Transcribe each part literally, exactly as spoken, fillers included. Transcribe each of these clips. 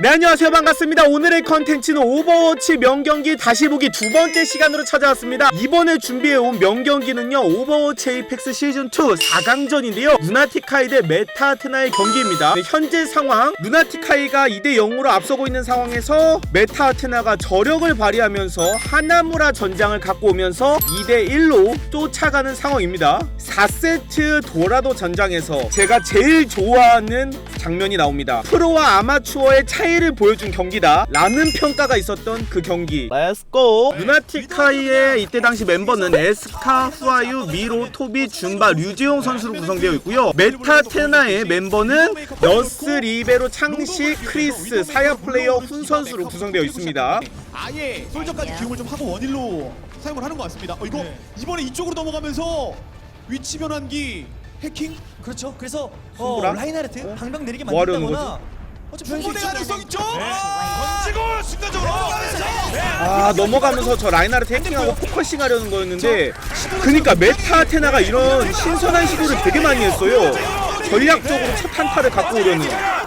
네, 안녕하세요. 반갑습니다. 오늘의 컨텐츠는 오버워치 명경기 다시 보기 두 번째 시간으로 찾아왔습니다. 이번에 준비해온 명경기는요, 오버워치 에이펙스 시즌이 사 강전인데요 루나티카이 대 메타아테나의 경기입니다. 네, 현재 상황 루나티카이가 이 대 영으로 앞서고 있는 상황에서 메타아테나가 저력을 발휘하면서 하나무라 전장을 갖고 오면서 이 대 일로 쫓아가는 상황입니다. 사 세트 도라도 전장에서 제가 제일 좋아하는 장면이 나옵니다. 프로와 아마추어의 차이를 보여준 경기다 라는 평가가 있었던 그 경기. 렛츠고! 루나티카이의 이때 당시 멤버는 에스카, 후아유, 미로, 토비, 준바, 류지용 선수로 구성되어 있고요. 메타테나의 멤버는 너스, 리베로, 창시, 크리스, 사야 플레이어, 훈 선수로 구성되어 있습니다. 아예 솔저까지 기용을 좀 하고 원일로 사용을 하는 것 같습니다. 어, 이거 네. 이번에 이쪽으로 넘어가면서 위치 변환기 해킹? 그렇죠. 그래서 어, 손보라? 라인하르트 어? 방방 내리게 뭐 하려는 만든다거나 충분히 가능성 있죠? 던지고 순간적으로 아, 넘어가면서 저 라인하르트 해킹하고 포커싱 하려는 거였는데, 그니까 메타아테나가 이런 신선한 시도를 되게 많이 했어요. 전략적으로 첫 한타를 갖고 오려는.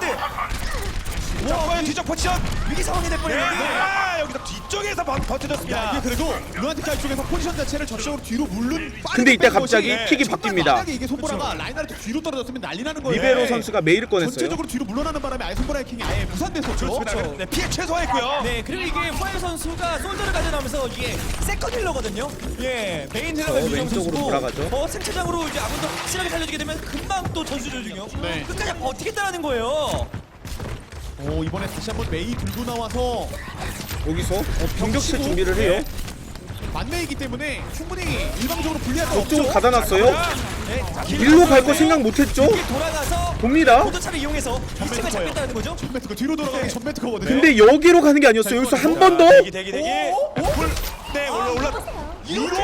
와, 뒤쪽 포지션 위기 상황이 될 뻔했는데 아, 여기서 뒤쪽에서 버- 버텨줬습니다. 이게 그래도 루나티카 쪽에서 포지션 자체를 전적으로 뒤로 물른 근데 이때 갑자기 것이 픽이 정말 바뀝니다. 만약에 이게 손보라가 라인하르트 뒤로 떨어졌으면 난리 나는 거예요. 리베로 선수가 메일을 꺼냈어요. 전체적으로 뒤로 물러나는 바람에 아예 손보라 해킹이 아예 무산됐었죠. 그렇죠. 네, 피해 최소화했고요. 네, 그리고 이게 후아유 선수가 솔저를 가져나오면서 이게 세컨 힐러거든요. 예, 메인 힐러가 어, 유정 왼쪽으로 선수고 돌아가죠. 어, 생체장으로 이제 아군도 확실하게 살려주게 되면 금방 또 전수 조중요. 네. 끝까지 버티겠다라는 거예요. 오, 이번에 다시 한번 메이 들고 나와서 여기서 어, 공격체 준비를 해요. 만메이기 때문에 충분히 일방적으로 불리할 수 저쪽으로 없죠. 가다놨어요. 네, 일로 갈 거 생각 못했죠? 돌아가서 봅니다. 포도차를 이용해서 위치가 거예요. 잡혔다는 거죠. 전매트가 뒤로 돌아가면 전매트거든요. 근데 여기로 가는 게 아니었어요. 여기서 한 번 더? 대기 대기 대기. 불. 네, 올라 올라. 이렇게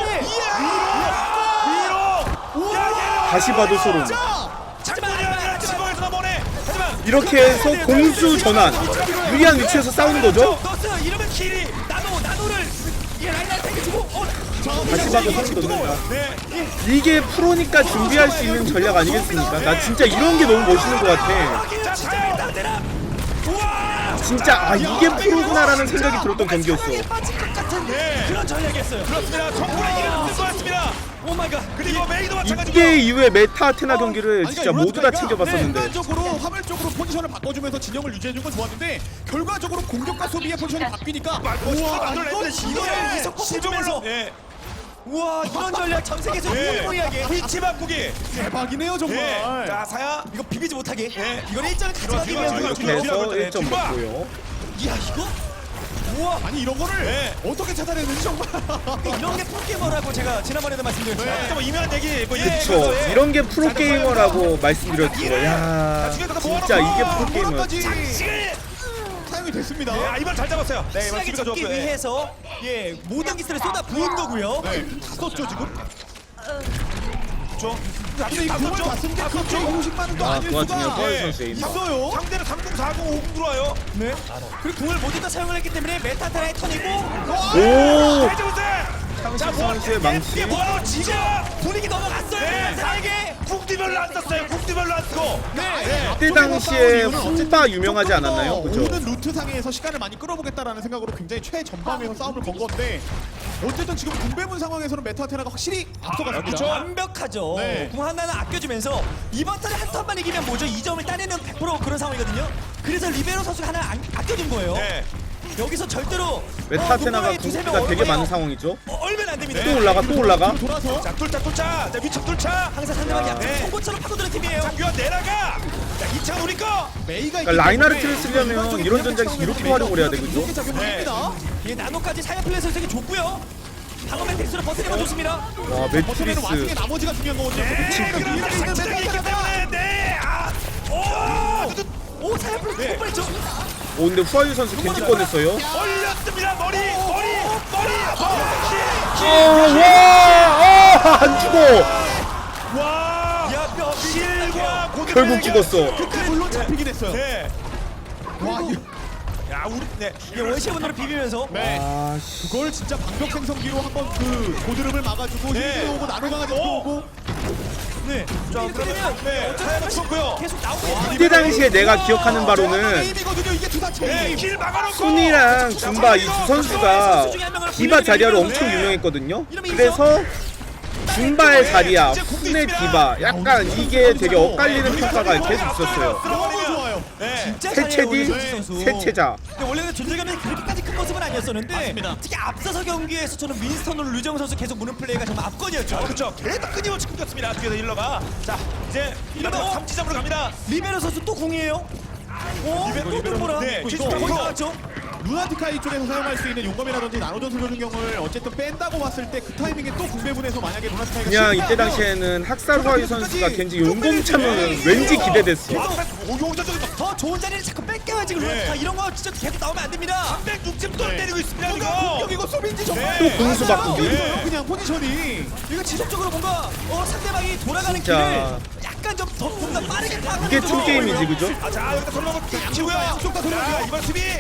다시 봐도 소름. 하지만 지붕에서 넘어오네. 하지만 이렇게 해서 공수 전환. 유리한 위치에서 싸우는 거죠? 너스 이러면 킬이 나노 나노를 이게 라인하르트 주고 어, 다시 봐도 소름 돋는다. 네. 이게 프로니까 준비할 수 있는 전략 아니겠습니까? 나 진짜 이런 게 너무 멋있는 것 같아. 자, 진짜 나대라. 우와. 진짜 아, 이게 프로구나라는 생각이 들었던 경기였어. 빠질 것 같은 네. 그런 전략이었어요. 그렇습니다. 정부의 이름 붙을 것 같습니다. 오 마이 갓. 그리고 메이도 마찬가지고. 이때 이후에 메타아테나 경기를 아니, 진짜 그러니까 모두 다 루나티카이가 챙겨봤었는데. 일반적으로 화물적으로 포지션을 바꿔주면서 진영을 유지해준 건 좋았는데 결과적으로 공격과 소비의 포지션이 바뀌니까 우와, 만들어냈는데 이거 이거를 이석 시종으로. 예. 우와 이런 전략 전 세계에서 예. 유일무이하게 위치 바꾸기. 대박이네요 정말. 예. 자, 사야. 이거 비비지 못하게. 예. 이건 일점을 가져가기 들어와, 위한 들어와, 이렇게 들어와. 해서 일 점 준바. 먹고요. 이야 이거 우와 아니 이런 거를 네. 어떻게 찾아내는지 정말. 이런 게 프로게이머라고 제가 지난번에도 말씀드렸죠. 네. 좀 유명한 얘기. 뭐 예, 그쵸. 그래서, 예. 이런 게 프로게이머라고 말씀드렸죠. 야, 진짜 이게 프로게이머였지. 뭐라까지 지금. 사용이 됐습니다. 예, 아, 이번 잘 잡았어요. 네, 이번 신나게 수비가 잡기 좋았고요. 예. 위해서 예 모든 기술을 쏟아 부은 거고요. 네, 다 썼죠 지금. 죠 근데 이 공을 봤을 때 그렇게 오십만은 또 아, 아닐 그 와중에 수가 허일 예. 선수의 인사. 있어요. 상대는 삼공, 사공, 오공 들어와요. 네. 그리고 공을 모두 다 사용을 했기 때문에 메타테라의 턴이고 오! 해주세. 창식 선수의 망치. 이게 뭐하러 지금 분위기 넘어갔어요. 네. 메타테라에게. 국디별로 안 썼어요. 국디별로 안 쓰고. 네. 그때 당시에 훈바 유명하지 않았나요? 그죠? 모든 루트 상에서 시간을 많이 끌어보겠다라는 생각으로 굉장히 최전방에서 싸움을 건 건데 어쨌든 지금 군배문 상황에서는 메타테나가 확실히 앞서갔습니다. 그쵸? 완벽하죠. 네. 공 하나는 아껴주면서 이번 턴에 한 턴만 이기면 뭐죠? 이 점을 따내는 백 퍼센트 그런 상황이거든요. 그래서 리베로 선수가 하나 안, 아껴준 거예요. 네. 여기서 절대로 메타아테나가 어, 두세 명 궁극기가 되게 얼마나- 많은 상황이죠. 어, 얼면 안 됩니다. 또 올라가, 또 올라가. 돌아서 자, 뚫자, 뚫자. 자, 위쪽 뚫자. 항상 상대방이 야. 약간 네. 송곳처럼 파고드는 팀이에요. 장규환 내려가. 자, 이 차는 우리 거. 메이가 그러니까 라인하르트를 쓰려면 이런 전장에서 이렇게 활용을 해야 되거든요. 이렇게 작용을 네. 합니다. 이 나노까지 사야 플레이 선수에게 줬고요. 방어 멘텍스로 버티는 건 좋습니다. 와, 버텨내는 와중에 매트리스. 나머지가 중요한 거거든요. 이런 작전이 있기 때문에 네. 아. 오! 오 사야 플레이 네. 뻔했죠. 오, 근데 후아유 선수 겐지 꺼냈어요. 올렸습니다. 머리. 머리. 머리. 아, 와! 아, 안 죽어! 와. 야, 뼈 실과 고대 결국 죽었어. 그때 물론 잡히긴 했어요. 네. 와, 이- 야, 우리 네. 이게 원시분으로 비비면서 네. 아, 씨. 그걸 진짜 방벽 생성기로 한번 그 고드름을 막아주고 네. 힐드 오고 나노강아지 오! 오고 네. 자, 이렇게 되면 네, 차야가 죽었고요. 계속 나오고 이때 당시에 내가 기억하는 바로는 게임이거든요. 이게 투사체. 네, 길 막아놓고. 순이랑 줌바 이 두 선수가 디바 자리아로 엄청 네. 유명했거든요. 그래서 줌바의 자리아, 순의 디바 약간 이게 되게 엇갈리는 평가가 계속 있었어요. 너무 좋아요. 네. 진짜 잘해요, 세체디, 오늘 선수. 세체자. 근데 원래는 존재감이 그렇게까지 큰 모습은 아니었었는데 맞습니다. 특히 앞서서 경기에서 저는 윈스턴으로 류정 선수 계속 무는 플레이가 정말 압권이었죠. 그렇죠. 계속 끊임없이 끊겼습니다. 뒤에서 힐러가. 자, 이제 이러면 삼지점으로 갑니다. 리베로 선수 또 공이에요. 오, 리베로, 또 리베로. 돌보라. 네, 이거 칠십 거의 퍼센트. 나왔죠. 루나티카이 쪽에서 사용할 수 있는 용검이라든지 나노전술 조준경을 어쨌든 뺀다고 봤을 때 그 타이밍에 또 군배분에서 만약에 루나티카이가 그냥 이때 실패하면 당시에는 학살화이 선수가 겐지 용검 차면 왠지 기대됐어. 오, 용전 쪽에 더 좋은 자리를 자꾸 뺏겨야지 그러면 네. 다 이런 거 진짜 계속 나오면 안 됩니다. 삼백육 점 또 네. 때리고 있습니다. 공격 이거. 이거 수빈지 정말 네. 또 공수 바꾸기. 네. 그냥 포지션이 이거 지속적으로 뭔가 어, 상대방이 돌아가는 진짜. 길을 약간 좀 더 뭔가 빠르게 타고 이게 춤 게임이지, 그죠? 아, 자, 여기다 돌아가고 치고요. 양쪽 다 돌아가요. 자, 이번 수비.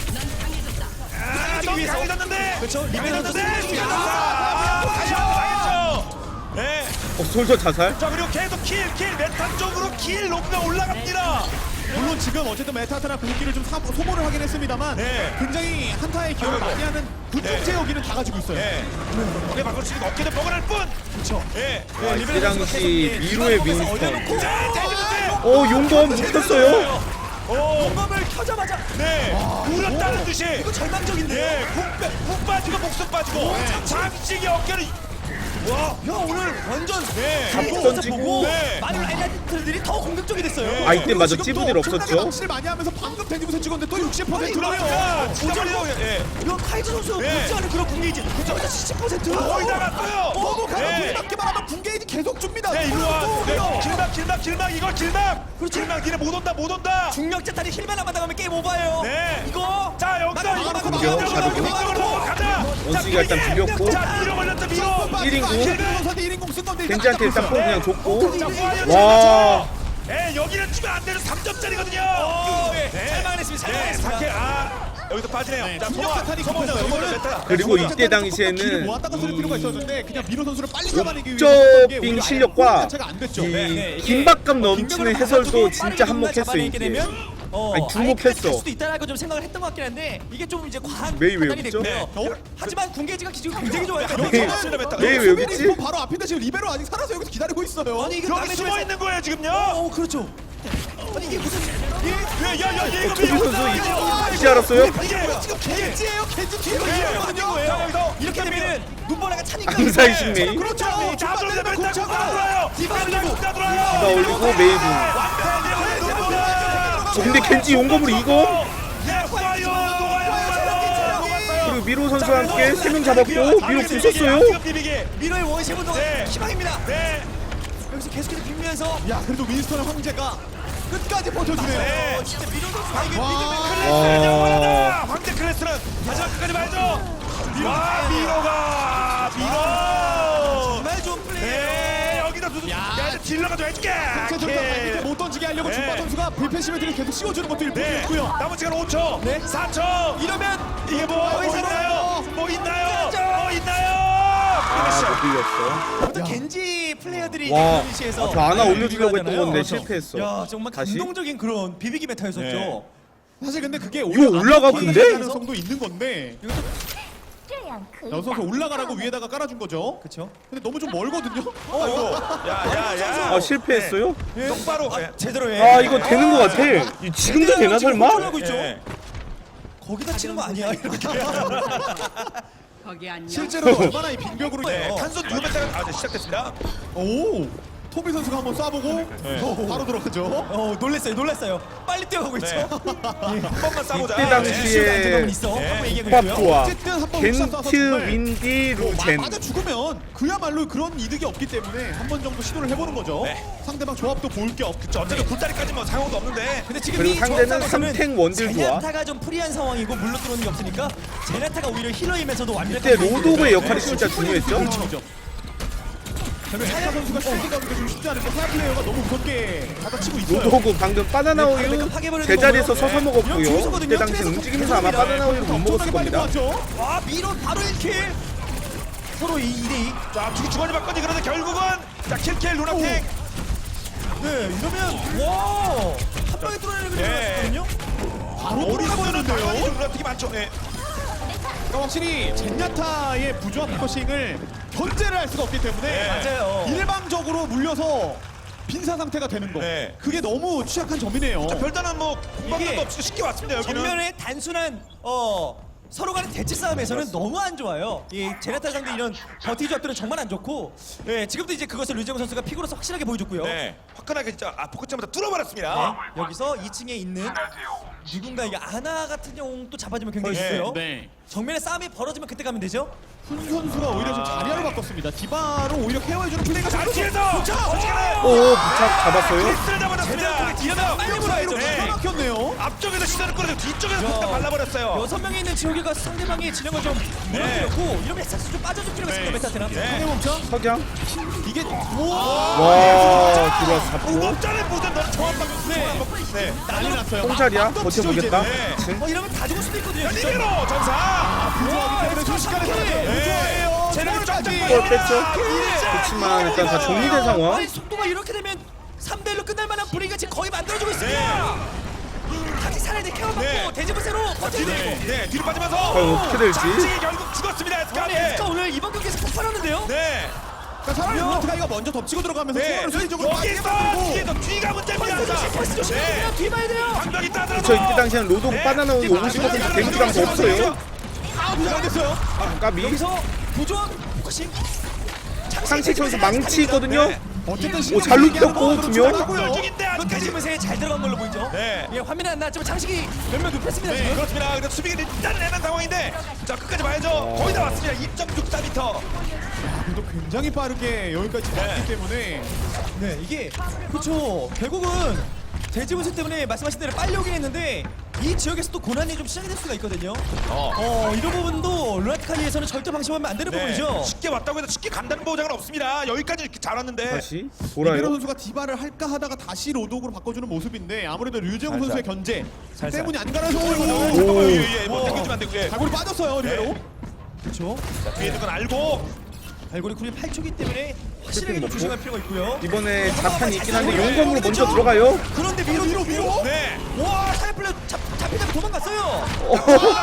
아, 너무 강해졌는데. 그렇죠. 리베로 선수 강해졌는데. 아, 다시 한번 당했죠. 네. 어, 솔저 자살? 자, 그리고 계속 킬, 킬, 메탄 쪽으로 킬 로그가 올라갑니다. 물론 지금 어쨌든 메타타나 궁기를 좀 사, 소모를 하긴 했습니다만 네. 굉장히 한타의 기여를 많이 하는 군중제 여기는 다 가지고 있어요. 네. 어깨 바꿀 수 있는 어깨는 뻐근할 뿐. 그렇죠. 네. 아, 이때 당시 미로의 윈스턴. 자, 때리는데. 어, 용검 묵혔어요. 오. 공범을 켜자마자 네. 울었다는 듯이. 이거 절망적인데요. 네. 푹, 빼- 푹 빠지고 목숨 빠지고. 장식이 어깨를. 와. 야 오늘 완전 네. 잡고 던지 던지고. 보고 네. 많은 엘리트들이 더 공격적이 됐어요. 아, 이때 맞아. 지금 찌부들 또 없었죠? 엄청나게 낚시를 많이 하면서 방금 데뷔부터 찍었는데 또 육십 퍼센트 아니, 야, 진짜 말이에요. 예. 이거 카이즈 선수 네. 못지 않은 그런 공격이지. 그죠? 칠십 퍼센트. 거의 다 갔어요. 너무 가면 네. 분이 맞기만 하면 군게이지 계속 줍니다. 네, 일로 와. 또 네. 오고요. 길막, 길막, 길막. 이걸 길막. 그렇죠. 길막. 니네 못 온다, 못 온다. 중력 재탄이 힐만 안 받아가면 게임 오버예요. 네. 이거 자, 여기서 나가, 이거 나가, 공격, 나가, 자극. 나가, 나가, 이쪽으로 가자. 원숭이가 일단 비볐고. 자, 밀어 걸렸다, 밀어. 일 인구. 선수한테 일 인공 쓴 건데 겐지한테 일단 뽕 그냥 줬고. 자, 와. 예, 여기는 주면 안 되는 삼 점짜리거든요. 네. 잘 막아냈습니다. 잘 네, 막아냈습니다. 사케 아 여기서 빠지네요. 네, 자, 중력 소모, 사탄이 소모, 급했어요. 소모, 이거는 메타. 그리고 자, 이때 기를 당시에는 모았다가 쓸 필요가 있었는데 그냥 미로 선수를 빨리 잡아내기 위해 옥저빙 실력과 자체가 안 됐죠. 이 네, 이게 긴박감 넘치는 해설도 진짜 한몫했어 이게. 어, 아니, 주목했어. 할 수도 있다라고 좀 생각을 했던 것 같긴 한데 이게 좀 이제 과한 메이 왜 판단이 웃죠? 됐고요. 네. 하지만 궁계지가 지금 굉장히 좋아요. 메이- 맞습니다, 메타. 메이 왜 여기 있지? 바로 앞인데 지금 리베로 아직 살아서 여기서 기다리고 있어요. 아니 이게 여기 남의 숨어 집에서- 있는 거예요, 지금요. 어 그렇죠. 아니 이게 무슨 예, 야, 야, 얘 이거 토비 이거 선수 이거 이- 이제 알았어요? 이게 지금 겐지예요. 겐지 뒤에 네. 있거든요. 자, 여기서 이렇게 되면은 눈보라가 차니까 암살식 메이. 그렇죠. 자, 들어오면 메타 다 들어와요. 디바 메타 올리고. 다 디바 들어와요. 올리고 메이브. 어, 근데 겐지 용검으로 이거? 예, 와요, 와요, 그리고 미로 선수와 함께 세 명 잡았고 미로 궁 썼어요. 미로의 원시 운동 네. 희망입니다. 네. 여기서 계속해서 빌면서 야, 그래도 윈스턴의 황제가 끝까지 버텨주네요. 네. 어, 진짜 미로 선수가 이게 와. 믿음의 와. 황제 클래스는 마지막 끝까지 봐야죠. 와, 미로가 미로. 정말 좋은 플레이예요. 네, 여기다 두두. 야. 야, 이제 딜러가 좀 해줄게. 상체 돌파 이제 못 던지게 하려고 네. 준바 선수가 불펜 시멘트를 계속 씌워주는 것도 네. 일품이었고요. 남은 시간 오 초. 네. 사 초. 이러면 이게 뭐, 뭐 거의 있나요? 뭐 있나요? 뭐 있나요? 아, 못 빌렸어. 보통 겐지 플레이어들이 와, 이제 시에서 아, 저 하나 많이 올려주려고 했던 비비하잖아요. 건데 그렇죠. 실패했어. 야 정말 다시? 감동적인 그런 비비기 메타였었죠. 네. 사실 근데 그게 이거 올라가 근데? 가능성도 있는 건데 여섯 선수 올라가라고 위에다가 깔아준 거죠. 그렇죠. 근데 너무 좀 멀거든요. 아이고. 야, 야, 야. 아, 실패했어요? 네. 똑바로. 예. 제대로 해. 아, 이거 되는 거 같아. 이 지금도 되나 설마? 하고 있죠. 예. 거기다 치는 거 아니야 이렇게. 거기 안녕. 실제로 얼마나 이 빙벽으로 네, 네. 탄소 두 배타가 아, 네, 시작됐습니다. 오 토비 선수가 한번 쏴보고 어, 바로 들어가죠. 어 놀랬어요 놀랬어요. 빨리 뛰어가고 있죠. 네. 한 번만 싸보자. 이때 당시에 안정감은 있어. 네. 하고 얘기하고 있고요. 호합 어쨌든 한번 겐트, 윈디, 루젠. 맞아 죽으면 그야말로 그런 이득이 없기 때문에 한 번 정도 시도를 해보는 거죠. 네. 상대방 조합도 볼 게 없죠. 어차피 굴다리까지 뭐 사용도 없는데. 근데 지금 그리고 이 상대는 조합상에서는 삼탱 원딜 좋아. 제냐타가 좀 프리한 상황이고 물러 들어오는 게 없으니까 제냐타가 오히려 힐러이면서도 완벽한 이때 로도그의 역할이 진짜 중요했죠. 그렇죠. 사야 선수가 슈팅하기가 좀 쉽지 않은데 사야 플레이어가 너무 무섭게 받아치고 있어요. 로도그 방금 바나나 우유 제자리에서 서서 먹었고요. 그때 당시 움직이면서 아마 바나나 우유를 못 먹었을 빨리 겁니다. 모았죠. 와 미로 바로 일 킬. 서로 이 대 이. 자, 두 주거니 받거니 그런데 결국은 자, 킬킬 루나틱. 네, 이러면 와! 한 방에 뚫어내는 그림이 네. 나왔거든요. 바로 머리 쓰는 돌아버리는데요. 방안이 되게 많죠. 네. 그러니까 확실히 젠야타의 부조합 포커싱을 견제를 할 수가 없기 때문에 네. 맞아요. 일방적으로 물려서 빈사 상태가 되는 거. 네. 그게 너무 취약한 점이네요. 자, 별다른 뭐 이게 공방도 없이 쉽게 왔습니다. 여기는. 정면의 단순한 어 서로 간의 대치 싸움에서는 너무 안 좋아요. 이 제네타 상대 이런 버티 조합들은 정말 안 좋고, 예, 지금도 이제 그것을 류재용 선수가 픽으로서 확실하게 보여줬고요. 네. 화끈하게 진짜 아 포커점부터 뚫어버렸습니다. 네, 여기서 이 층에 있는 누군가 이게 아나 같은 경우 또 잡아주면 굉장히 네. 좋고요. 네. 정면에 싸움이 벌어지면 그때 가면 되죠. 훈 선수가 오히려 좀 자리를 바꿨습니다. 디바로 오히려 케어해주는 플레이가 자, 잘 뒤에서 어떻게 어떻게나 오 부착 잡았어요. 키스를 잡아줬습니다. 뒤에서 빨리 몰아야죠. 기가 막혔네요. 앞쪽에서 시선을 끌어서 뒤쪽에서 야. 팍 발라버렸어요. 여섯 명이 있는 지옥이가 상대방의 진영을 좀 무너뜨렸고 이러면 사실 좀 빠져줄 필요가 있습니다. 메타테나. 네. 멈춰. 석양. 이게 와 들어와서 잡고. 무겁잖아요. 무슨 너 정확 방 네. 네. 난리 났어요. 똥자리야. 막 던지죠, 버텨보겠다. 네. 그치? 어 이러면 다 죽을 수도 있거든요. 진짜. 리베로 전사. 부조하기 때문에 순식간에 사라져요. 부조예요. 제대로 쫙쫙 골 뺐죠? 그렇지만 일단 다 정리된 상황. 아니 속도가 이렇게 되면 삼 대 일로 끝날 만한 분위기가 지금 거의 만들어지고 있습니다. 같이 살아야 돼. 케어받고 네. 대지부세로 버텨야 뒤로, 돼. 네, 뒤로 빠지면서 과연 어떻게 될지. 장지 결국 죽었습니다. 에스카. 아니 에스카 오늘 이번 경기에서 폭발하는데요. 네. 그러니까 차라리 루트가이가 먼저 덮치고 들어가면서 네. 초반을 수비적으로 빠르게 여기서 만들고 뒤에서 뒤가 문제입니다. 펄스 조심, 펄스 조심. 네. 뒤 봐야 돼요. 방벽이 따들어. 저 이때 당시에는 로도고 바나나오는 오십 퍼센트 데미지가 더 없어요. 아, 부조가 됐어요. 아, 까비. 여기서 부조한 포커싱. 상식 선수 망치 있거든요. 네. 어쨌든 오, 잘 눕혔고, 두 명. 멸종인데 이거 아직까지. 대지부세에 잘 들어간 걸로 보이죠. 네. 예, 화면에 안 나왔지만 창식이 몇명 눕혔습니다. 네, 지금. 그렇습니다. 그래서 수비가 일단 내는 상황인데 자 끝까지 봐야죠. 거의 다 왔습니다. 이 점 육사 미터. 그래도 굉장히 빠르게 여기까지 왔기 때문에 네, 이게 그렇죠. 결국은 대지분수 때문에 말씀하신 대로 빨리 오긴 했는데 이 지역에서 또 고난이 좀 시작이 될 수가 있거든요. 어. 어, 이런 부분도 루나티카리에서는 절대 방심하면 안 되는 네. 부분이죠. 쉽게 왔다고 해서 쉽게 간다는 보장은 없습니다. 여기까지 이렇게 잘 왔는데. 다시 리베로 돌아요. 선수가 디바를 할까 하다가 다시 로독으로 바꿔주는 모습인데 아무래도 류재용 살살. 선수의 견제 살살. 때문이 안 가라서 오, 오거든요. 잠깐만요. 예, 예. 뭐 당겨주면 안 되고. 예. 발골이 빠졌어요 리베로. 그렇죠. 자, 뒤에 있는 건 알고. 발골이 쿨이 팔 초기 때문에 확실하게 좀 먹고. 조심할 필요가 있고요. 이번에 자탄이 있긴 한데 용검으로 먼저 들어가요. 그런데 위로 위로 위로. 네. 와, 사이플레 잡 잡히다가 도망갔어요. 어,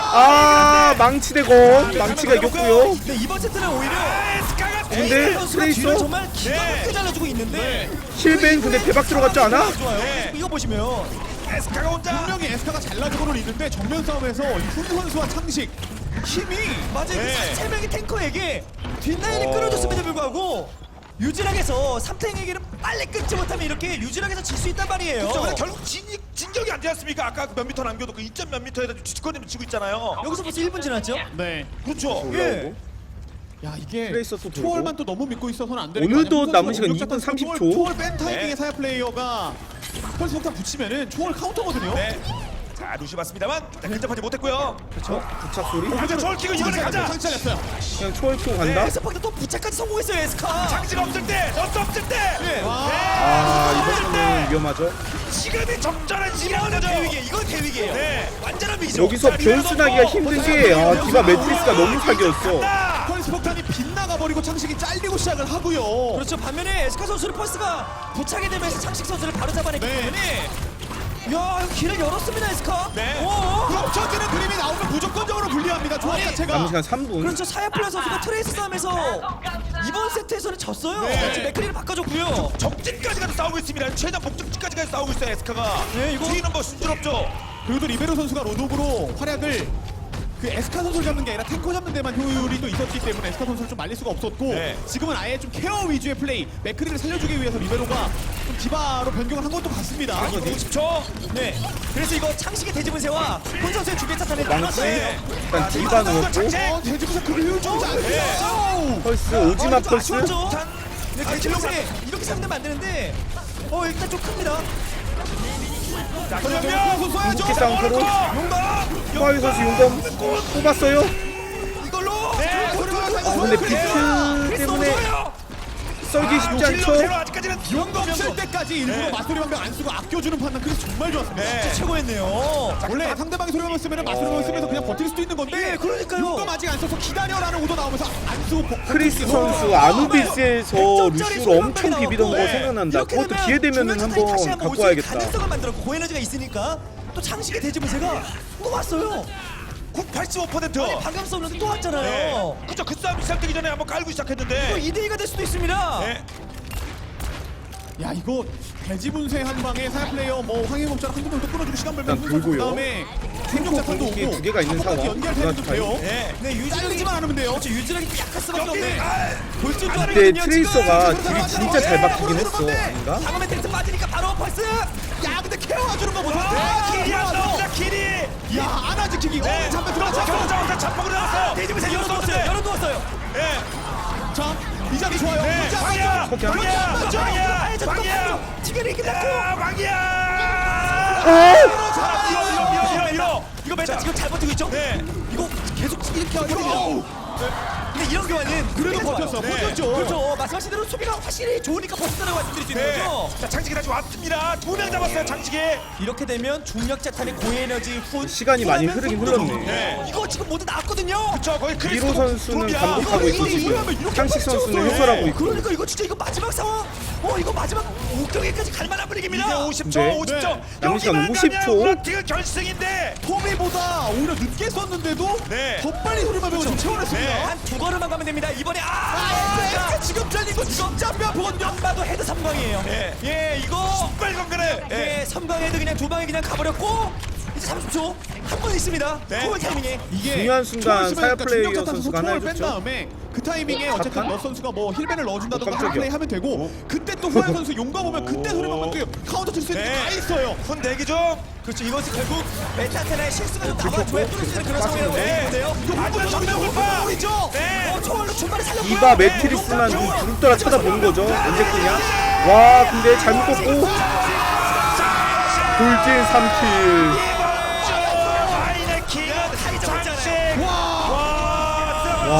아 망치대고 망치가 이겼고요. 네, 이번 세트는 오히려 에스카가 근데 에이스 선수가 트레이서? 뒤를 정말 기가 네. 막히게 잘라주고 있는데 힐벤 근데 대박 들어갔지 않아? 좋아요. 네. 이거 보시면 에스카가 혼자. 분명히 에스카가 잘라주고는 있는데 정면 싸움에서 이훈 선수와 창식 힘이 맞아요. 네. 그 세 명의 탱커에게 뒷라인이 어. 끊어졌음에도 불구하고 유진학에서 삼탱에게는 빨리 끊지 못하면 이렇게 유진학에서 질 수 있단 말이에요. 그렇죠. 근데 결국 진, 진격이 안 되지 않습니까? 아까 그 몇 미터 남겨도 그 이 점 몇 미터에다 주치권님 지고 있잖아요. 여기서 벌써 일 분 지났죠? 네. 그렇죠. 예. 야 이게 트레이서 또 돌고. 초월만 또 너무 믿고 있어서는 안 되는 오늘도 거 아니야? 남은 시간 공격 이 분 작전 삼십 초. 초월, 초월 뺀 타이밍에 네. 사야 플레이어가 펄스 폭탄 붙이면은 초월 카운터거든요. 네. 자, 루시 봤습니다만 자, 근접하지 못했고요. 그렇죠. 부착 소리. 가자, 저걸 키고 이번에 가자. 창잘렸어요 그냥 초월 키고 간다. 에스파크도 또 부착까지 성공했어요, 에스카. 장지가 없을 때, 너스 없을 때. 네. 아 이번 판은 위험하죠. 시간이 적절한 이거는 시간이죠. 대위기예요. 이건 대위기예요. 네. 완전한 위기죠. 여기서 자, 리베로 변수나기가 넣고. 힘든 게 아, 디바 매트리스가 너무 사기였어. 자, 펄스 폭탄이 빗나가 버리고 창식이 잘리고 시작을 하고요. 그렇죠. 반면에 에스카 선수는 펄스가 부착이 되면서 창식 선수를 바로 잡아냈기 네. 때문에 야, 이거 길을 열었습니다, 에스카. 네. 오. 겹쳐지는 그림이 나오면 무조건적으로 불리합니다. 조합 자체가. 남은 시간 삼 분. 그렇죠. 사야플라 선수가 트레이스 싸움에서 이번 세트에서는 졌어요. 네. 지금 맥크리를 바꿔줬고요. 적진까지 가서 싸우고 있습니다. 최단 목적지까지 가서 싸우고 있어요, 에스카가. 네, 이거- 뒤는 뭐 순조롭죠. 그리고 또 리베로 선수가 로독으로 활약을 그 에스카 선수를 잡는 게 아니라 탱커 잡는 데만 효율이 또 있었기 때문에 에스카 선수를 좀 말릴 수가 없었고 네. 지금은 아예 좀 케어 위주의 플레이 맥크리를 살려주기 위해서 리베로가 좀 디바로 변경을 한 것도 같습니다. 오십 초. 네. 그래서 이거 창식의 대지분세와 본 선수의 주변 차탄에 망치. 나눴어요. 일단 디바 넣었고. 어, 대지부사 그게 효율적이지 않네요. 펄스 오지마 펄스. 아쉬웠죠? 네, 대지분세 이렇게 상대면 안 되는데 어, 일단 좀 큽니다. 자, 전면 전면. 쏴야죠. 궁극기 싸움으로 용감. 후아이 선수 용검 뽑았어요. 이걸로 네. 어, 아 근데 비트 크리스 너무 때문에 좋아요. 썰기 쉽지 아, 않죠? 딜러 아직까지는 용도 없을 때까지 일부러 네. 마소리 방벽 안 쓰고 아껴주는 판단 그게 정말 좋았습니다. 네. 최고였네요. 원래 상대방이 소리방벽 쓰면 마소리 방벽 쓰면서 그냥 버틸 수도 있는 건데 네, 그러니까요. 용도 아직 안 써서 기다려라는 오도 나오면서 안 쓰고 버- 크리스 버티고 선수 아누비스에서 루시우를 엄청 비비던 거 네. 생각난다. 이렇게 그것도 되면 기회 되면은 중간 차이 다시 한번 한번 갖고 올 수 있는 와야겠다. 가능성을 만들었고 고에너지가 있으니까 또 장식의 대지분세가 또 왔어요. 팔십오 퍼센트. 아니 방금 썼는데 또 왔잖아요. 네. 그죠. 그 싸움 시작되기 전에 한번 깔고 또 시작했는데. 이 대 이가 될 수도 있습니다. 네. 야 이거 대지분쇄 한 방에 사야 플레이어 뭐 황해공처럼 한두 명도 끊어주고 시간 벌면 일단 돌고요. 그다음에 생존자 탄도 오고 공격이 두 개가 있는 한번까지 상황. 연결되면 그다음에 돼요. 네. 네, 유지력이 잘리지만 않으면 돼요. 그렇죠. 유지력이 좀 약할 수밖에 여기 없네. 아, 볼줄 줄 근데 알았거든요, 트레이서가 지금. 딜이 진짜 잘 박히긴 했어. 아닌가? 다음에 텍스 빠지니까 바로 펄스. 야 근데 케어해주는 거 보세요. 아, 길이 안 야 나옵니다. 길이. 안아 지키기. 네. 어 잠깐 그렇죠. 들어갔어. 경자한테 잡폭을 나왔어요. 대지분세 열어두었어요. 열어두었어요. 네. 자 이자리 좋아요. 네. 문자 방이야. 맞죠? 방이야. 맞죠? 방이야. 방이야. 지금이 끝났고. 야, 방이야. 잡아요. 밀어, 밀어, 밀어, 밀어, 밀어. 이거 메타 자. 지금 잘 버티고 있죠? 네. 이거 계속 이렇게 하거든요. 근데 이런 교환은 그래도 좋아요. 버텼어. 네. 버텼죠. 그렇죠. 말씀하신 대로 수비가 확실히 좋으니까 버텼다고 말씀드릴 수 있는 네. 거죠. 자, 장식이 다시 왔습니다. 두 명 잡았어요, 장식이. 이렇게 되면 중력 자탄의 고에너지 후 시간이 많이 후하면 흐르긴 속도도 흘렀네. 네. 이거 지금 모두 나왔거든요. 그쵸, 거기 크리스 미로 선수는 톱이야. 감독하고 있고 이거 이러면 지금 이렇게 향식 빨리 선수는 채웠어요. 해설하고 있고. 그러니까 이거 진짜 이거 마지막 상황. 어 이거 마지막 옥경에까지 갈 만한 분위기입니다. 이제 오십 초, 네. 오십 초. 남은 시간 여기만 오십 초. 가면 우라티가 결승인데. 토미보다 오히려 늦게 썼는데도 네. 더 빨리 소리방벽을 좀 채워냈습니다. 네. 한 두 걸음만 가면 됩니다. 이번에 아, 아, 엑스 지금 잘린 거 진짜 뼈 본연 봐도 헤드 삼 강이에요. 네. 예, 이거 빨리 건그래. 예, 삼 강 헤드 그냥 두 방에 그냥 가버렸고 이제 삼십 초 한 번 있습니다. 네. 초월 타이밍에 이게 중요한 순간 초월 쓰면 사야 그러니까 플레이어 중력 자탄 선수가 하나 초월 뺀 해줬죠. 다음에 그 타이밍에 어쨌든 자탄? 너 선수가 뭐 힐벤을 넣어준다던가 어, 깜짝이야. 플레이 하면 되고 그때 또 후아연 선수 용감 오면 그때 소리방벽 카운터 칠 수 있는 게 네. 다 있어요. 손 대기 중. 그렇죠. 이것이 결국 메타테나의 실수가 좀 나와줘야 뚫을 수 있는 그런 상황이라고 네. 보는데요. 하지만 정면 돌파. 우리죠. 네. 어, 초월로 중간에 살렸고요. 이바 매트리스만 부릅떠라 쳐다보는 거죠. 언제 끄냐? 와 근데 잘못 꺾고 돌진 삼 킬. 아이네킹 장식. 와.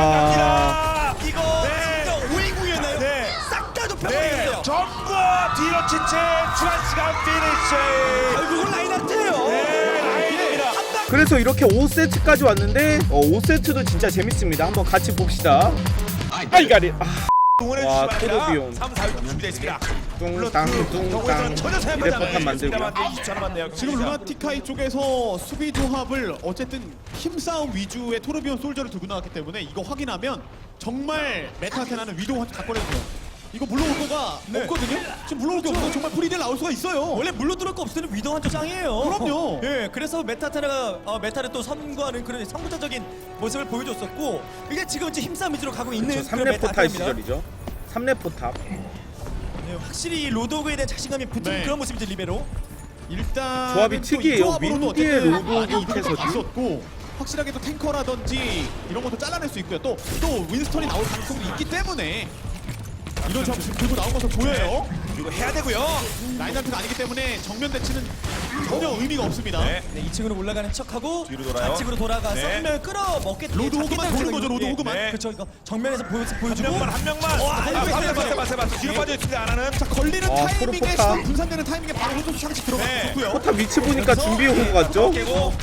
와. 이거 네. 진짜 오인구였나요? 네. 싹 다 네. 좁혀버리겠어요. 전부 뒤로 치체 트란스가 피니시. 결국은 라인한테요. 네, 라인입니다. 그래서 이렇게 오 세트까지 왔는데 어, 오 세트도 진짜 재밌습니다. 한번 같이 봅시다. 아이가리. 아, 응원해 와, 주시기 바랍니다. 토르비온. 삼, 사 육 준비되어 있습니다. 뚱땅 뚱땅. 전혀 사용하지 레포탄 않아요. 만들고요. 이십 초 남았네요. 지금 루나티카이 쪽에서 수비 조합을 어쨌든 힘싸움 위주의 토르비온 솔저를 들고 나왔기 때문에 이거 확인하면 정말 메타테나는 위도우한테 갖고 내줘요. 이거 물러올 거가 네. 없거든요. 지금 물러올 게 없어서 정말 프리딜 나올 수가 있어요. 원래 물로 들을 거 없을 때는 위도 한조 짱이에요. 그럼요. 예, 그래서 메타테나가 어, 메타를 또 선구하는 그런 선구자적인 모습을 보여줬었고 이게 지금 이제 힘싸움 위주로 가고 있는 저 그런 삼 렙 포탑 메타테나입니다. 시절이죠. 삼 렙 포탑. 예, 확실히 이 로드오그에 대한 자신감이 붙은 네. 그런 모습이죠 리베로. 일단 조합이 특이해요. 윈디의 로드오그 이태서 이태서지. 있었고 확실하게 또 탱커라든지 이런 것도 잘라낼 수 있고요. 또 또 윈스턴이 나올 가능성도 있기 때문에 이런 조합 지금 들고 나온 것으로 보여요. 이거 해야 되고요. 라인한트가 아니기 때문에 정면 대치는 전혀 의미가 없습니다. 네. 네, 이 층으로 올라가는 척하고 뒤로 돌아요. 좌측으로 돌아가서 네. 한 명을 끌어먹게 로드 호그만 도는 거죠, 로드 호그만. 네. 그렇죠. 이거 정면에서 보여, 한 보여주고 명만 한 명만. 와, 아, 알고 있어요. 맞아 맞아 맞아 맞아. 뒤로 빠져 있습니다. 안 하는. 자 걸리는 아, 타이밍에 프로포탑. 시간 분산되는 타이밍에 바로 호수 상식 들어가서 네. 좋고요. 포탑 위치 보니까 준비해 온 것 같죠? 깨고.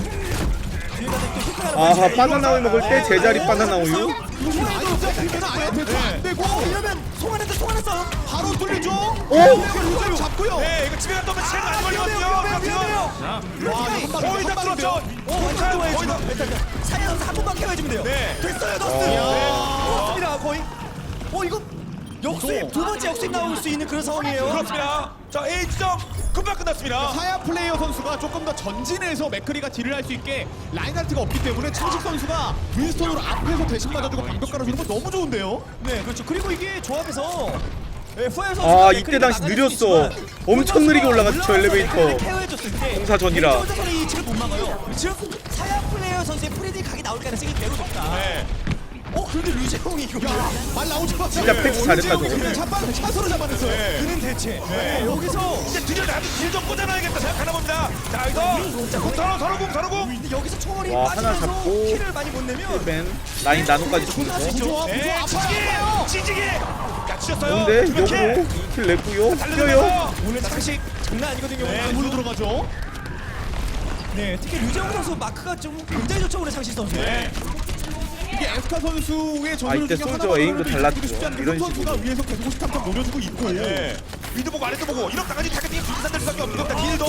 뒤에가 또 히트 하나 아하 보여주고 바나나 우유 먹을 때 제자리 바나나 우유. 이거 아예 되면 아예 돼도 안 되고 어, 이러면 송환했다 송환했어. 바로 뚫리죠. 오! 루저를 잡고요. 네, 이거 집에 갔다 오면 시간 안 걸리거든요. 위험해요 위험해요. 와, 이거 한 거의 다 방에 뚫었죠. 어, 완전 좋아요 지금. 사이드 선수 한 번만 케어해주면 돼요. 네. 됐어요 너스. 좋습니다 거의. 어 이거 역수입 두 번째 역수입 나올 수 있는 그런 상황이에요. 그렇습니다. 자, A 지점 금방 끝났습니다. 사야 플레이어 선수가 조금 더 전진해서 맥크리가 딜을 할 수 있게 라인하트가 없기 때문에 창식 선수가 윈스턴으로 앞에서 대신 맞아주고 방벽 깔아주는 거 너무 좋은데요? 네 그렇죠. 그리고 이게 조합에서 네, 후에 선수가 아, 맥크리를 이때 당시 막아낼 느렸어. 수 있지만 엄청 느리게 올라갔죠, 올라와서 엘리베이터. 맥크리를 케어해줬을 때 공사 전이라. 왼쪽에서는 이 지금 못 막아요. 즉 사야 플레이어 선수의 프리딜 각이 나올 가능성이 매우 높다. 네. 어 그런데 류재홍이 이거 말 나오자마자 진짜 패스 잘했다, 저거. 그냥 잡아 차서로 잡아냈어요. 그는 대체 네, 여기서 이제 드디어 나도 딜좀 꽂아놔야겠다 생각하나 봅니다. 자 여기서 자, 공 서로 서로 공 서로 공. 근데 여기서 총알이 와, 하나 빠지면서 잡고. 킬을 많이 못 내면 맨 라인 나노까지 존나 주면서 세죠. 부조화 네, 부조화 찌지기 아파요. 찌지기. 야 찢었어요. 근데 두 명 킬. 역으로 이 킬 냈고요. 뛰어요. 달려들면서 오늘 장식 장난 아니거든요. 네, 오늘. 물로 들어가죠. 네, 특히 류재홍 선수 마크가 좀 굉장히 좋죠 오늘 장식 선수. 네. 이게 에스카 선수의 아, 전술 이때 중에 솔저 하나만으로도 에임도 이기고 달랐죠. 싶지 않은 이런 그 선수가 식으로. 위에서 계속 탐탐 노려주고 있고. 네. 위도 보고 아래도 보고 이런 당연히 타겟팅이 분산될 수밖에 없는 겁니다. 딜도.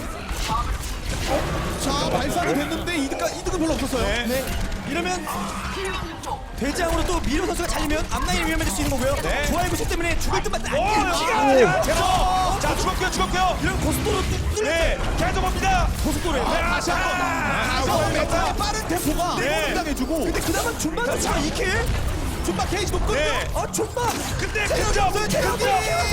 자, 발사가 됐는데 이득가 이득은 별로 없었어요. 네. 네, 이러면 대장으로 또 미로 선수가 잘리면 앞라인이 위험해질 수 있는 거고요. 네. 좋아요 구십 때문에 죽을 듯 말듯 오 안 여기가 제법. 자 죽었고요 죽었고요. 이런 고속도로 뚫 네. 계속 옵니다. 고속도로에 다시 한번. 다시 메타 빠른 템포가 네. 당해주고. 근데 그나마 준바 선수가 이 킬? 준바 케이지도 끊고. 네. 아 준바! 근데 체력이 근접 없어요, 체력이!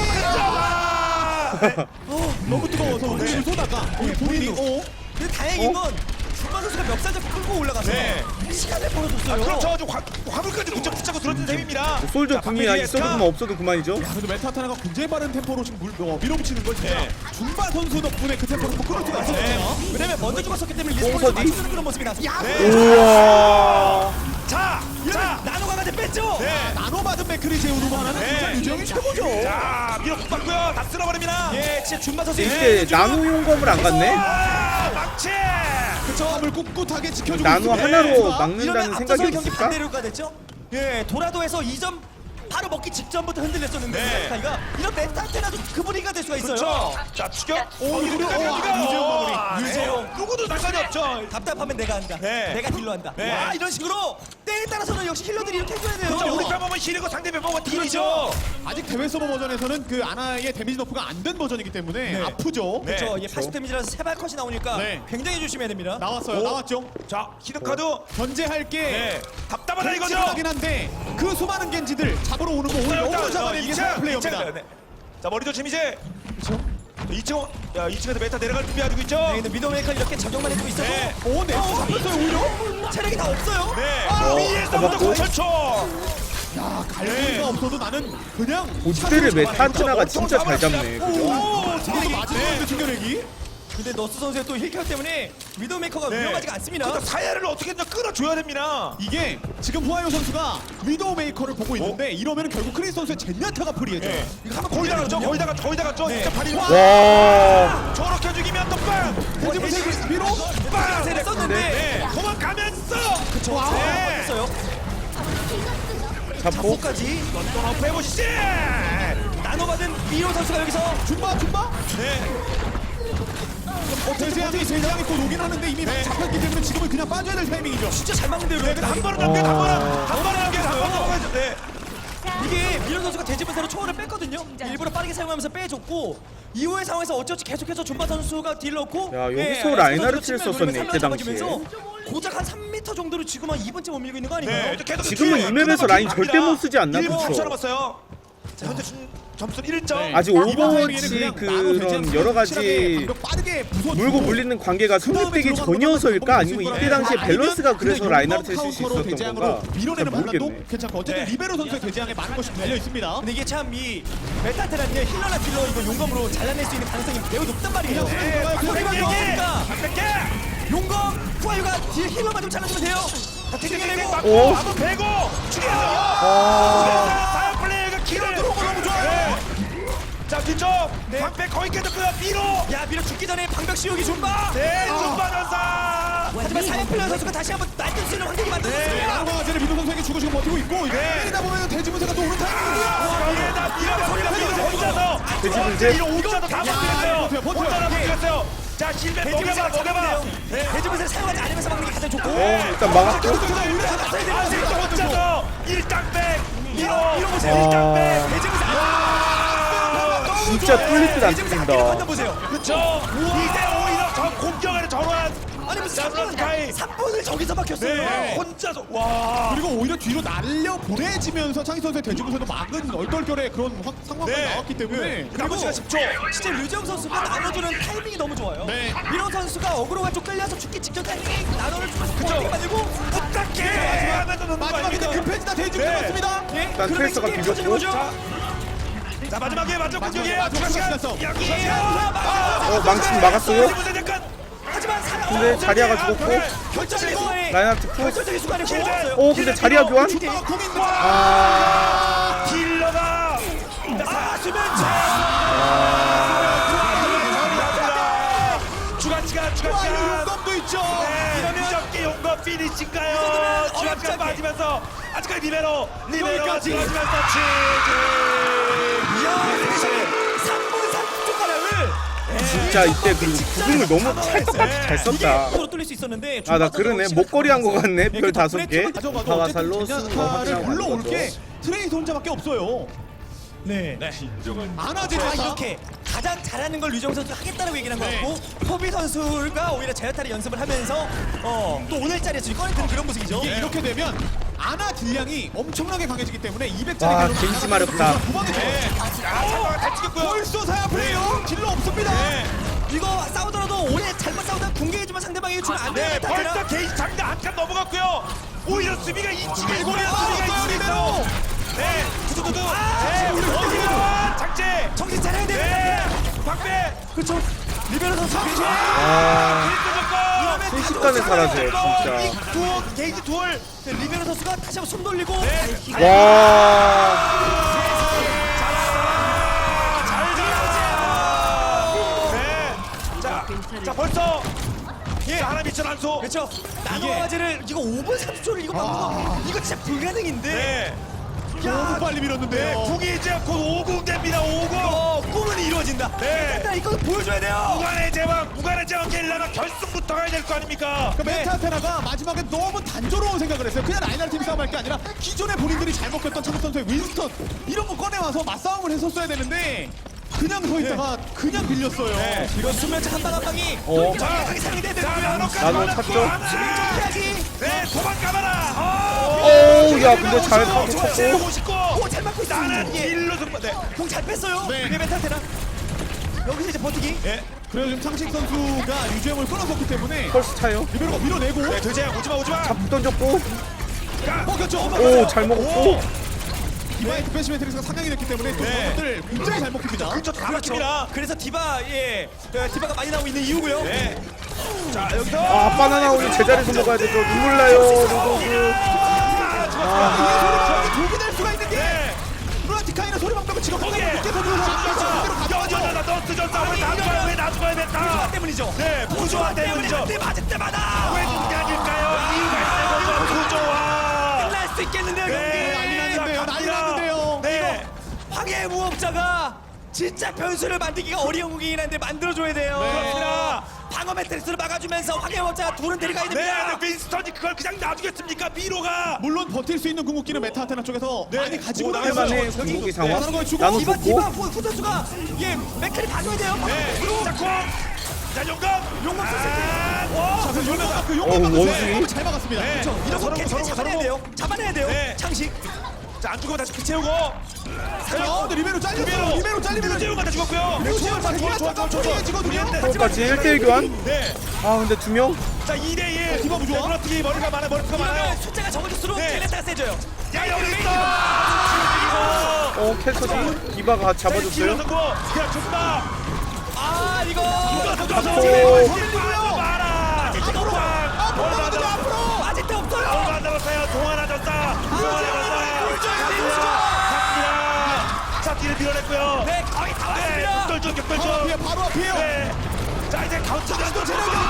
근접. 어, 너무 뜨거워서 우리를 쏘다가 우리 본인이 어? 근데 다행인 건 준바 선수가 멱살 잡고 끌고 올라가서 네. 시간을 아, 벌어줬어요. 그렇죠. 좀 화, 화물까지 문자 붙잡고 들어준 셈입니다. 솔저 자, 궁이 박민희 있어도 에스카. 그만 없어도 그만이죠. 야, 그래도 메타타나가 굉장히 빠른 템포로 지금 물, 어, 밀어붙이는 걸 진짜 네. 준바 선수 덕분에 그 템포를 뭐 끊을 수가 있었거든요. 왜냐면 먼저 죽었었기 때문에 뽕서디? 리스폰에서 맞추는 그런 모습이 나서 야! 우와. 자, 이러면 자, 나노 강아지 뺐죠? 네. 나노 받은 맥크리 제우르고 하나는 네. 진짜 유정이 최고죠. 자, 밀어 국 받고요. 다 쓸어버립니다. 예, 진짜 준바 선수 이때 나노 용검을 안 갔네. 아, 막채. 그쵸, 함을 꿋꿋하게 지켜주고 나노 있습니다. 하나로 에스카. 막는다는 이러면 앞서서 생각이 경기 있을까? 반대로가 됐죠? 예, 도라도에서 이 점 바로 먹기 직전부터 흔들렸었는데 네. 스카이가 이런 메타테나도 그 분위기가 될 수가 있어요. 그렇죠. 자, 추격. 오, 유재용 유재용, 아, 유재용 마무리. 유재용. 누구도 상관이 없죠. 답답하면 내가 한다. 네. 내가 딜러 한다. 네. 와 이런 식으로 때에 따라서는 역시 힐러들이 이렇게 해줘야 돼요. 그렇죠. 우리 뺨 보면 힐이고 상대편 보면 딜이죠. 아직 대회 서버 버전에서는 그 아나의 데미지 너프가 안 된 버전이기 때문에 네. 아프죠. 네. 그렇죠. 이게 팔십 데미지라서 세 발 컷이 나오니까 네. 굉장히 조심해야 됩니다. 나왔어요. 오. 나왔죠. 자, 히든 카드. 견제할 게 네. 답답하다 이거죠. 하긴 한데 그 수많은 겐지들 잡으러 오는 거 오히려 너무 잡아내는 게 플레이어입니다. 네. 자, 머리 조심 이제. 그렇죠. 이 층, 야, 이 층에서 메타 내려갈 준비하고 있죠. 네, 근데 미더메이커 이렇게 작용만 해주고 있어서 네. 오, 네. 잡혔어요 오히려. 체력이 다 없어요. 네. 어, 위에서부터 잡았고. 거철초. 야, 갈고리가 네. 없어도 나는 그냥 고지대를 메타한테나가 진짜 잘 잡네. 그죠? 오, 저것도 맞은 튕겨내기. 근데 너스 선수의 또 힐케어 때문에 미더메이커가 네. 위험하지가 않습니다. 그러니까 사야를 어떻게든 끌어줘야 됩니다. 이게 지금 후아요 선수가 위도우 메이커를 보고 있는데 이러면 결국 크리스 선수의 젠야타가 프리해져요. 네. 이거 한번 거의 다 갔죠. 거의 다 갔죠. 거의 다 갔죠. 진짜 발이 와. 저렇게 죽이면 또 빵. 대지부 세그 위로 빵. 세를 썼는데 네. 도망가면서. 그쵸. 네. 네. 요 잡고 자포까지 또 해보시지. 나눠받은 미로 선수가 여기서 준바 준바. 네. 어, 대재앙이 대재앙이 또 오긴 하는데 이미 잡혔기 때문에 지금은 그냥 빠져야 될 타이밍이죠. 진짜 잘 막는데요. 네. 한 번은 남겨, 한 번은 어. 한 번은 남겨, 한 번은 남겨. 네. 이게 미로 선수가 대지분사로 초월을 뺐거든요. 일부러 빠르게 사용하면서 빼줬고 이후의 상황에서 어찌어찌 계속해서 존바 선수가 딜 넣고 야, 예, 여기서 에스카 라인하르트를 선수가 측면을 썼었네, 노리면서 이때 당시에. 잡아주면서 고작 한 삼 미터 정도로 지금 한 이 번째 못 밀고 있는 거 아닌가요? 네. 계속 지금은 뒤에 이 맵에서 라인 절대 못 쓰지 않나? 일 분 그쵸? 십 초 남았어요. 자, 현재 준- 점수는 일 점. 네. 아직 이번 오버워치 타이밍에는 그냥 나노 대재앙 그런 여러 가지 확실하게 방벽 빠르게 부숴주고 물고 물리는 관계가 성립되기 전이어서일까? 아니면 이때 당시에 밸런스가 그래서 라인하르트를 쓸 수 있었던 건가? 잘 밀어내는 판단도 모르겠네. 괜찮고 어쨌든 네. 리베로 선수의 대재앙에 많은 것이 달려 있습니다. 근데 이게 참 이 메타테라는 게 힐러나 딜러 이거 용검으로 잘라낼 수 있는 가능성이 매우 높단 말이에요. 네, 박성희가 네, 나오니까 박백개. 용검 후아유가 뒤에 힐러만 좀 잘라주면 돼요. 다 튕겨내고 땡땡땡 오. 맞고 한번 베고 죽여요. 아. 다음 플레이가 길을 들어오고 너무 좋아요. 자, 뒤쪽 방백 거의 깨졌고요. 미로. 야 미로 죽기 전에 방벽 씌우기 존바. 네, 준바전사. 하지만 사이플러 선수가 다시 한번 날뛸 수 있는 환경이 네, 만들어졌습니다. 나노 강아지를 미도 선수에게 주고 지금 버티고 있고 이거 네. 때리다 보면 대지문세가 또 오는 타이밍이고요. 거기에다 미로 소리가 미로 혼자서. 돼지분쇄? 미로 혼자서 다 버티겠어요. 버텨요, 버텨요. 혼자 다 버티겠어요. 자, 실패 녹여봐, 대지분세가 녹여봐. 잡으면 네. 대지분세를 사용하지 않으면서 막는 게 가장 좋고. 어, 일단 막았고. 아직 혼자서 일당백. 미로. 미로 보세요. 아. 대지분세 진짜 뚫릴 듯 안 대지분세 뚫린다. 판단 보세요. 그쵸. 이제 오히려 저 공격을 전환. 아니 무슨 자, 삼 분, 스카이. 삼 분을 저기서 막혔어요. 네. 혼자서. 와. 그리고 오히려 뒤로 날려 보내지면서 창희 선수의 대지문세도 막은 얼떨결에 그런 확- 상황이 네. 나왔기 때문에 네. 남은 시간 십 초. 진짜 류정 선수가 나눠주는 타이밍이 너무 좋아요. 네. 미로 선수가 어그로가 좀 끌려서 죽기 직전 타이밍에 나눠를 주면서 어떻게 만들고 부탁해. 하면서 넣는 거 마지막에 아닙니까? 급해지다 대중 네. 잡았습니다. 예, 일단 그러면 트레이서가 게임 비겼고. 터지는 거죠? 자 마지막에 마지막 마지막에 공격이에요. 마지막 추가 시간 시간 여기에요. 어 망치 막았어요. 무슨 약간 하지만 사 근데 자리아가 죽었고. 결정적인 순간에 라인하트 푸. 결정적인 순간에 고마웠어요. 오 근데 자리아 교환? 아, 공인데. 아 딜러가 아, 수면제. 주간 시간 주간 와, 이거 시간. 용감도 있죠. 네, 무적기 용거 피니시인가요? 이거는 주간 시간 어렵지 빠지면서 아직까지 리베로 리베로 여기까지. 들어가면서 치즈. 삼 분 삼십 초 가량을 진짜 이때 그리고 구금을 너무 찰떡같이 잘 썼다. 이게 뚫을 수 있었는데 아 나 그러네 목걸이 한 거 같네 별 다섯 개. 가져가도 바와살로 어쨌든 쓰는 거 제냐타를 확인하고 불러올 가는 게 거죠. 트레이서 혼자밖에 없어요. 네. 안하지 자, 다 이렇게 가장 잘하는 걸 류정 선수가 하겠다라고 얘기를 한 것 네. 같고 토비 선수가 오히려 제어타를 연습을 하면서 어, 또 오늘 자리에서 지금 꺼내드는 그런 모습이죠. 이게 이렇게 되면 아나 딜량이 엄청나게 강해지기 때문에 이백짜리 와, 겐지 마렵다. 도망이 돼. 잘 찍었고요. 벌써 사야 플레이요. 딜러 없습니다. 이거 싸우더라도 오래 잘못 싸우다 궁계해주면 상대방이 주면 안 네, 되는 벌써 타트라. 게이지 장대 한칸 넘어갔고요. 오히려 수비가 이치게 이거 오히려 아, 수비가 이치게 리베로. 있어. 네, 두두두두. 아, 네, 우리 어디가 장제. 정신 차려야 돼. 네, 박배. 그렇죠. 리베로 선수 괜찮아. 아 이러면 순식간에 다 사라져요 들어가요. 진짜. 두 게이지 둘. 네, 리베로 선수가 다시 한번 손 돌리고 네. 와 네. 자, 자 벌써 예 하나 미천 한소. 그렇죠. 나노화제를 이거 오 분 삼십 초를 이거 막는 거 이거 진짜 불가능인데. 네. 너무 빨리 네, 밀었는데요. 국이 이제 곧 오공 됩니다. 오공. 어, 꿈은 이루어진다. 네. 일단 이거 보여줘야 돼요. 무관의 제왕, 무관의 제왕 게일라가 결승부터 가야 될 거 아닙니까? 그러니까 메타테나가 마지막에 너무 단조로운 생각을 했어요. 그냥 라인할 팀 싸움할 게 아니라 기존에 본인들이 잘 먹혔던 창국 선수의 윈스턴 이런 거 꺼내와서 맞싸움을 했었어야 되는데 그냥 서 있다가 그냥 빌렸어요. 네. 이거 수면차 한방 한 방이 어. 정확하게 사용이 돼야 자, 되고요. 나노까지 나노 맞았고 찼죠? 하나. 이야기. 네, 도망가봐라. 어, 오우 야 근데 잘 타고 쳤고. 오십구. 오, 잘 맞고 있어. 나는 예. 일로 승부. 네. 공 잘 뺐어요. 네. 네. 메타테나. 여기서 이제 버티기. 예. 그래서 지금 창식 선수가 유주영을 끊어섰기 때문에 펄스 차요. 리베로가 밀어내고 네, 돼지야 오지마 오지마. 잡 던졌고. 먹혔죠. 오 잘 먹었고. 디바의 디펜시 매트릭스가 상향이 됐기 때문에 또 네. 저것들 굉장히 잘 먹힙니다. 그렇죠, 다 막힙니다. 그래서 디바 예 어, 디바가 많이 나오고 있는 이유고요. 네. 자, 여기서 아 바나나 우유 제자리에서 먹어야 되죠. 눈물 나요 로도그. 아, 독이 될 수가 있는 게 네. 루나티카이는 소리 방법을 지금 거기에. 늦게 던져서 여전하다 너 쓰졌다. 왜나 죽어야 왜나 죽어야 부조화 됐다. 때문이죠. 네, 부조화 때문이죠. 한대 맞을 때마다 왜 그게 아닐까요? 이유가 있는 거죠. 부조화. 끝날 수 있겠는데요 네. 난리 경기. 났는데요. 난리 났는데요. 네. 황해 무법자가 진짜 변수를 만들기가 어려운 공이긴 한데 만들어줘야 돼요. 그렇습니다. 방어 매트릭스를 막아주면서 황해 무법자가 둘은 데려가야 네, 됩니다. 근데 윈스턴이 그걸 그냥 놔두겠습니까? 미로가. 물론 버틸 수 있는 궁극기는 메타테나 쪽에서 네. 많이 가지고 오, 나가요. 할만해 여기 궁극기 상황. 다른 거에 주고 나노 디바 좋고. 디바 후, 후 선수가 예 맥클이 봐줘야 돼요. 네. 자, 콩. 자, 용감. 용감 아, 와. 자, 그 용감 그 어, 용감 원숭이? 막았어요. 잘 막았습니다. 네. 그렇죠. 이런 거 서로, 캐치 서로, 잡아내야 서로. 돼요. 잡아내야 돼요. 네. 창식. 자, 안 죽으면 다시 피 채우고. 자, 어, 근데 리베로 잘렸어요. 리베로. 리베로 잘리면 유재우가 다 죽었고요. 유재우 자, 좋아, 좋아, 좋아, 좋아, 좋아. 그것까지 일 대일 교환. 네. 아 근데 두 명. 자, 이 대 일. 디바 부조화? 그렇지. 머리가 많아. 머리가 많아요. 이러면 숫자가 적어질수록 네. 젤레타가 세져요. 야, 여기 있어. 어 캘서지 디바가 잡아줬어요. 그냥 죽마. 아 이거 오. 마라. 앞으로 앞으로 나가자, 앞으로. 맞을 때 없어요. 얼마 안 남았어요. 동안 하셨다. 동안 하셨다. 자, 뒤를 밀어냈고요. 네 거의 다 네, 왔습니다. 격돌중, 바로 격돌중. 앞이에요. 바로 앞이에요. 네. 자, 이제 카운트 가도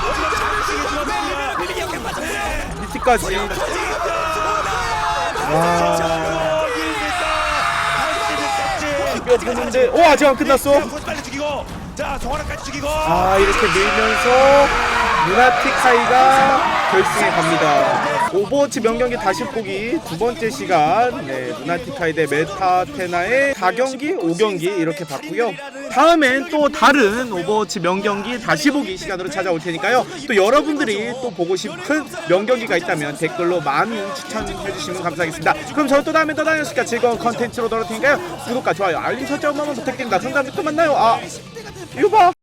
밀리 역행 맞았고요. 미티까지. 와. 이거 보는데 오 아직 안 끝났어. 빨리 죽이고. 자, 정환아까지 죽이고. 아 이렇게 밀면서 루나티카이가 결승에 갑니다. 오버워치 명경기 다시 보기 두 번째 시간. 네, 루나티카이 대 메타테나의 사 경기, 오 경기 이렇게 봤고요. 다음엔 또 다른 오버워치 명경기 다시 보기 시간으로 찾아올 테니까요. 또 여러분들이 또 보고 싶은 명경기가 있다면 댓글로 많이 추천해 주시면 감사하겠습니다. 그럼 저는 또 다음에 또 다른 시간 즐거운 컨텐츠로 돌아올 테니까요. 구독과 좋아요, 알림 설정 한번 부탁드립니다. 그럼 다음에 또 만나요. 아, 이거 봐.